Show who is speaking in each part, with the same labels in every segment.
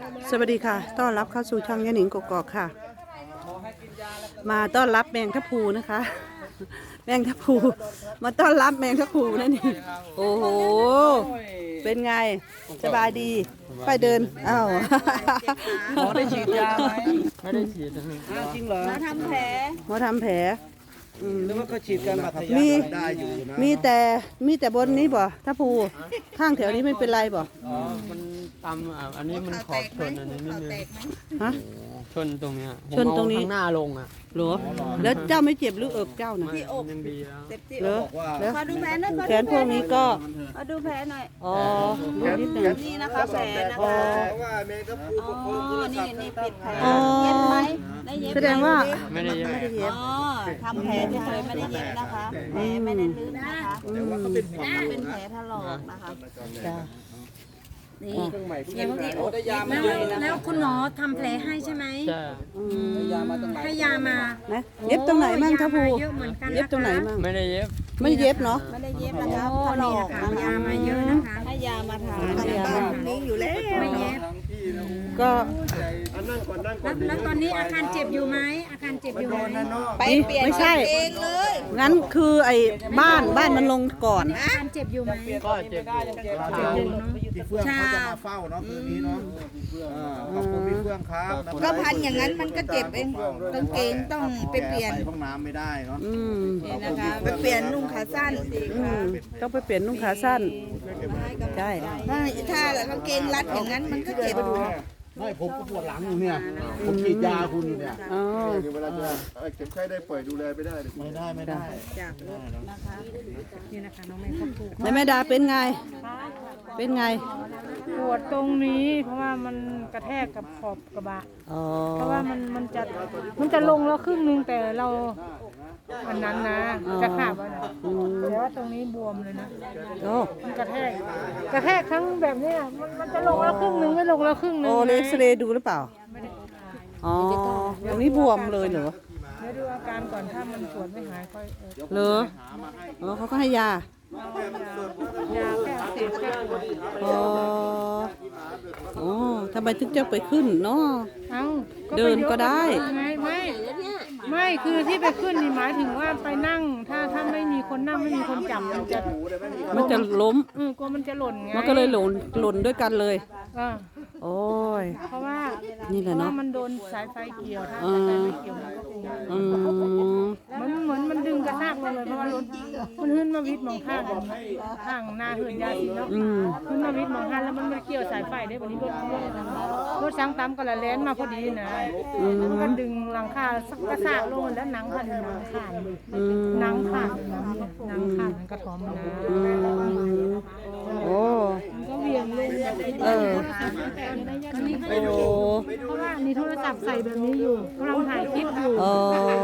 Speaker 1: สวัสดีค่ะต้อนรับเข้าสู่ช่องยะหนิงกกอกค่ะมาต้อนรับแมงทับพลูนะคะแมงทับพลูมาต้อนรับแมงทับพลูนั่นนี่โอ้โหเป็นไงสบายดีไปเดินอ้าว
Speaker 2: หมอได้ฉีดยาไหม
Speaker 3: ไม่ได้ฉีดนะ
Speaker 2: อ้าวจริงเหรอ
Speaker 4: มาทำแผล
Speaker 1: หมอทำแผล
Speaker 2: หรือว่าเขาฉีดกันบาดทะยั
Speaker 1: มี
Speaker 2: ได้อยู่นะ
Speaker 1: มีแต่บนนี้บ่ทับพลูข้างแถวนี้ไม่เป็นไรบ่
Speaker 3: อ๋อมันตำอันนี้มันขอบชนอันนี้นิดนึง
Speaker 1: ฮะ
Speaker 3: ชนตรงเนี้ย
Speaker 1: ชนตรงนี้
Speaker 3: ผมเอาข้างหน้าลงอ่ะ
Speaker 1: หรอแล้วเจ้าไม่เจ็บหรือเอิบเจ้านะ
Speaker 3: ไม่ยังดีแล้ว
Speaker 4: เจ็บที่
Speaker 1: เหรอแล้ว
Speaker 4: ขอดูแผลหน่อย
Speaker 1: แขนพวกนี้ก็
Speaker 4: ขอดูแผลหน่อย
Speaker 1: อ๋อดูนิดหนึ่ง
Speaker 4: นี่นะคะแผลนะ
Speaker 1: อ๋อ
Speaker 4: คะ
Speaker 2: เพราะว่าแมงกะพรุน
Speaker 4: อ๋อนี่ปิดแผล
Speaker 1: อ๋อ
Speaker 4: เย็บไหมได้เย็บไหม
Speaker 1: แสดงว่า
Speaker 3: ไม่ได้เยอะ
Speaker 1: ไม่ได้เย็บ
Speaker 4: อ๋อทำแผลเฉยๆไม่ได้เย็บนะคะแผลไม่ได้ลึกนะคะเป็นแผลถลอกนะคะ
Speaker 1: จ้ะ
Speaker 4: นี่
Speaker 2: เครื่องใหม่เพิ่ง
Speaker 4: เย็บที่อก
Speaker 2: ได้ยามา
Speaker 4: แล้ว
Speaker 2: เยอะนะ
Speaker 5: แล้วคุณหมอทำแผลให้ใช่ไหม
Speaker 3: ใช่
Speaker 2: ได้ยามาตั้งหลาย
Speaker 5: ให้ยามา
Speaker 1: นะเย็บตรงไหนมั่งทับพลู
Speaker 5: เยอะเหมือนกัน
Speaker 1: เย็บตรงไหนมั่ง
Speaker 3: ไม่ได้เย็บ
Speaker 1: ไม่เย็บเนาะ
Speaker 4: ไม่ได้เย็บนะคะ
Speaker 5: โอ้
Speaker 4: ถล
Speaker 5: นี่
Speaker 4: อ
Speaker 5: นะ
Speaker 4: ก
Speaker 5: คะ
Speaker 4: นะคะ
Speaker 5: ยามาเยอะนะคะ
Speaker 4: ให้ยามาทาน
Speaker 1: ให้ยามา
Speaker 4: นี้อยู่แล้ว
Speaker 5: ไม่เย็บ
Speaker 2: ทั้งพี่นะ
Speaker 1: ก็
Speaker 2: นั่งก่อนนั่งก่อน
Speaker 5: แล้วตอนนี้อาการเจ็บอยู่ไหมอาการเจ็บอยู่ไหม
Speaker 4: ไปเปลี่ยน
Speaker 1: ไม่ใช่
Speaker 4: เองเลย
Speaker 1: งั้นคือไอ้บ้านมันลงก่อน
Speaker 5: อาการเจ็บอยู่ไหม
Speaker 3: ก็เจ็บอยู่
Speaker 2: พี่เฟื่องเขาจะมาเฝ้าเนาะคืนนี้เนาะขอบคุณพี่เฟื่องครับ
Speaker 4: ก็พันอย่างนั้นมันก็เจ็บเองกางเกงต้องไปเปลี่ยน
Speaker 2: ห้องน้ำไม่ได้เนาะ
Speaker 1: อืม
Speaker 4: นะคะไปเปลี่ยนนุ่งขาสั้นสิ
Speaker 1: อื
Speaker 4: คะ
Speaker 1: มต้องไปเปลี่ยนนุ่งขาสั้นใช่
Speaker 4: ถ้ากางเกงรัดอย่างนั้นมันก็เจ็บ
Speaker 2: ไม่ผมก็ปวดหลังอยู่เนี่ย ผมฉีดยาคุณอยู่เนี่ย
Speaker 1: อ๋อ
Speaker 6: เวลาจะเก็บไข้ได้ป่วยดูแลไม่ได้เลย
Speaker 2: ไม่ได้ไม่ได้
Speaker 4: จากรถนะคะ
Speaker 5: นี่นะคะน้องไม่ครบถูก
Speaker 1: แล้วแม่ดาเป็นไง เป็นไง
Speaker 5: ปวดตรงนี้ เพราะว่ามันกระแทกกับขอบกระบะ
Speaker 1: อ๋อ
Speaker 5: เพราะว่ามันจะลงแล้วครึ่งนึงแต่เราอันนั้นนะจะขาบอ่ะนะแต่ว่าตรงนี้บวมเลยนะ
Speaker 1: โอ้
Speaker 5: มันกระแทกทั้งแบบเนี้ยมันจะลงแล้วครึ่งนึงไม่ลงแล้วครึ่งนึง
Speaker 1: โอ้เลเซเรย์ดูหรือเปล่าอ๋อตรงนี้บวมเลยเหรอ
Speaker 5: เดี๋ยวดูอาการก่อนถ้ามันปวดไม่หายค่อย
Speaker 1: เหรออ๋อเขาก็ให้ยา
Speaker 5: ยาแก้อักเสบแก้ปวด
Speaker 1: อ๋ออ๋อทำไมถึงจะไปขึ้นเนาะ
Speaker 5: เอ้า
Speaker 1: เดินก็ได้
Speaker 5: ไม่คือที่ไปขึ้นนี่หมายถึงว่าไปนั่งถ้าไม่มีคนนั่งไม่มีคนจับมันจะ
Speaker 1: ล้ม
Speaker 5: กลัวมันจะหล่นไง
Speaker 1: มันก็เลยหล่นด้วยกันเลย
Speaker 5: เออ
Speaker 1: โอ้ย
Speaker 5: เพราะว่า
Speaker 1: นี่แหละเนอะ
Speaker 5: มันโดนสายไฟเกี่ยวถ้าสายไฟไม่เกี่ยวมันก็คง
Speaker 1: อืม
Speaker 5: มันเหมือนมันดึงกระชากลงเลยเพราะว่ารถมันขึ้นมาวิทย์มองข้างกันข้างหน้าเหินยาสีเนาะ
Speaker 1: อืม
Speaker 5: ขึ้นมาวิทย์มองข้างแล้วมันไม่เกี่ยวสายไฟได้วันนี้รถช้างตามก็ละแล่นมาพอดีนะมันก็ดึงหลังคากระชากลงแล้วหนังพันหนังขาด
Speaker 1: อืม
Speaker 5: หนังขาดหนังขาดมันกระถอมนะ
Speaker 1: อืมโอ้
Speaker 5: ก็เวียงเลย
Speaker 1: เออ โอ้
Speaker 5: เพราะว่ามีโทรศัพท์ใส่แบบนี้อยู่กำลังถ่ายคลิปอยู่
Speaker 1: อ๋อ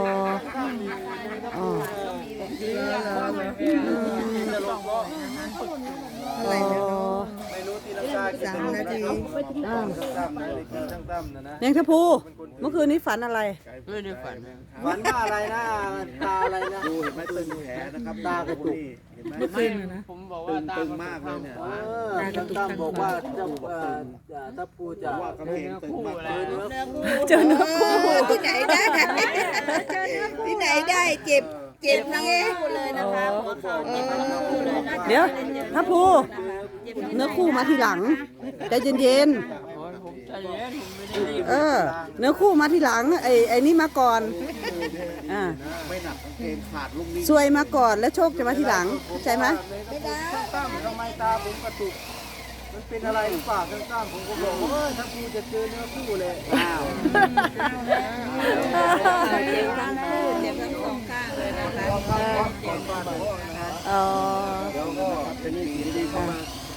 Speaker 1: อ๋อ
Speaker 4: อะไรนะ
Speaker 2: ไม่รู้ตีลังกากี่
Speaker 4: 3 นาที
Speaker 1: อ้าว
Speaker 2: ตั้มนะเด็กช่างตั้มนะ
Speaker 1: แมงทับพลูเมื่อคืนนี้ฝันอะไร
Speaker 3: ไม่ได้ฝัน
Speaker 2: ฝันว่าอะไรนะตาอะไรนะดูเห็นไหมตึงแผลนะครับตากระตุกเห็นไหม
Speaker 3: ผมบอกว่าตา
Speaker 2: ตึงมากเลยเนี่ยช่างตั้มบอกว่าเจ้าถ้าพูดจะว่ากระเพงตึงมากเลย
Speaker 1: เจอเนื้อคู่
Speaker 4: ที่ไหนได้ที่ไหนได้เจ็บนะเองเลยนะคะหัวเข่าเจ็บทั้งคู่เลยนะ
Speaker 1: เดี๋ยวทับพลูเนื้อคู่มาทีหลังใจเย็น
Speaker 3: โอ้ยผมใจเย็นผมไม่ได้รีบ
Speaker 1: ๆเนื้อคู่มาทีหลังไอ้นี่มาก่อนอ่า
Speaker 2: ไม่หนักเพงขาดลูกนี้
Speaker 1: ซวยมาก่อนแล้วโชคจะมาทีหลังเข้าใจไหม
Speaker 4: ไม่ได้
Speaker 2: ช่างตั้มทำไมตาผมกระตุกมันเป็นอะไรหรือเปล่าช่างตั้มผมก็บอกว่าถ้าพูดจะเจอเนื้อคู่เลยอ้าว
Speaker 4: เจ็บทั้งคู่เจ็บทั้งสองข้างเลยนะคะ
Speaker 1: อ๋อ
Speaker 2: เดี๋ยวก็เป็นสิ่งดีเข้ามา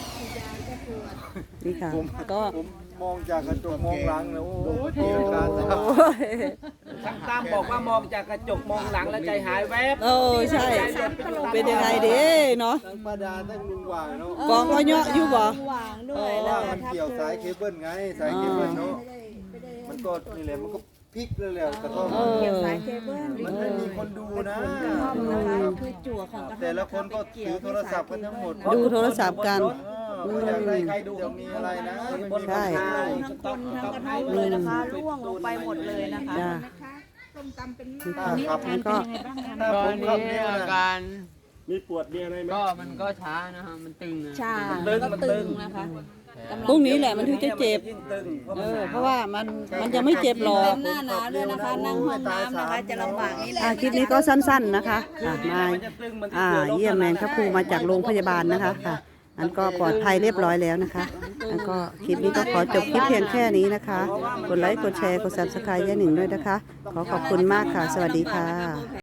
Speaker 1: นี่ค่ะก็
Speaker 2: ผมมองจากกระจกมองหลังแล้วโอ้ยตีลังกา
Speaker 1: โอ้ย
Speaker 7: ช่างตั้มบอกว่ามองจากกระจกมองหลังแล้วใจหายแวบ
Speaker 1: โอ้ใช่ เป็นยังไงเด้เนาะ
Speaker 2: ทั้งป้าดาทั้งลุงหว่างเนาะ
Speaker 1: กองก็เยอะอยู่บ่
Speaker 4: หวางด้วย
Speaker 2: เพราะ
Speaker 4: แล้ว
Speaker 2: ว่ามันเกี่ยวสายเคเบิลไงสายเคเบิลเนาะมันก็นี่แหละมันก็พลิกเลยแหละกระท่อม
Speaker 4: เกี่ยวสายเคเบิล
Speaker 2: มันไม่มีคนดูนะ
Speaker 4: นะคะคือจั่วของกระ
Speaker 2: แต่ละคนก็ถือโทรศัพท์กันทั้งหมด
Speaker 1: ดูโทรศัพท์กัน
Speaker 2: เอออยากได้ใครดูเดี๋ยวมีอะไรนะ
Speaker 1: ใช่
Speaker 4: ทั้งคนทั้งกระท่อมเลยนะคะร่วงลงไปหมดเลยนะคะ
Speaker 1: จ้านี่ค่ะแล้วก็
Speaker 2: ถ้า
Speaker 3: ต
Speaker 2: ผ
Speaker 3: อน
Speaker 2: ม
Speaker 3: นี้
Speaker 2: ขับเนี่ย
Speaker 3: อา
Speaker 2: นะ
Speaker 3: การ
Speaker 6: มีปวดมีอะไรไหม
Speaker 3: ก็มันก็ช้านะฮะมันตึงนะ
Speaker 4: ชาก็ตึงนะคะกำลัง
Speaker 1: พรุ่งนี้แหละมันถึงจะเจ็บ
Speaker 7: ยิ่งตึงเพราะ
Speaker 1: เอ
Speaker 7: มัน
Speaker 1: อเพราะว่ามันยังไม่เจ็บหรอก
Speaker 4: เป็นหน้าหนาวด้วยนะคะ นั่งห้องน้ำนะคะจะลำบากนิดนึง
Speaker 1: คลิปนี้ก็สั้นๆนะคะมา
Speaker 7: มันจะตึงมันจะเกิดโรค
Speaker 1: เยี่ยมแมงทับพลูมาจากโรงพยาบาลนะคะค่ะอันก็ปลอดภัยเรียบร้อยแล้วนะคะแล้วก็คลิปนี้ก็ขอจบคลิปเพียงแค่นี้นะคะ กดไลค์กดแชร์กด Subscribe ย่าหนิงด้วยนะคะ ขอขอบคุณมากค่ะ สวัสดีค่ะ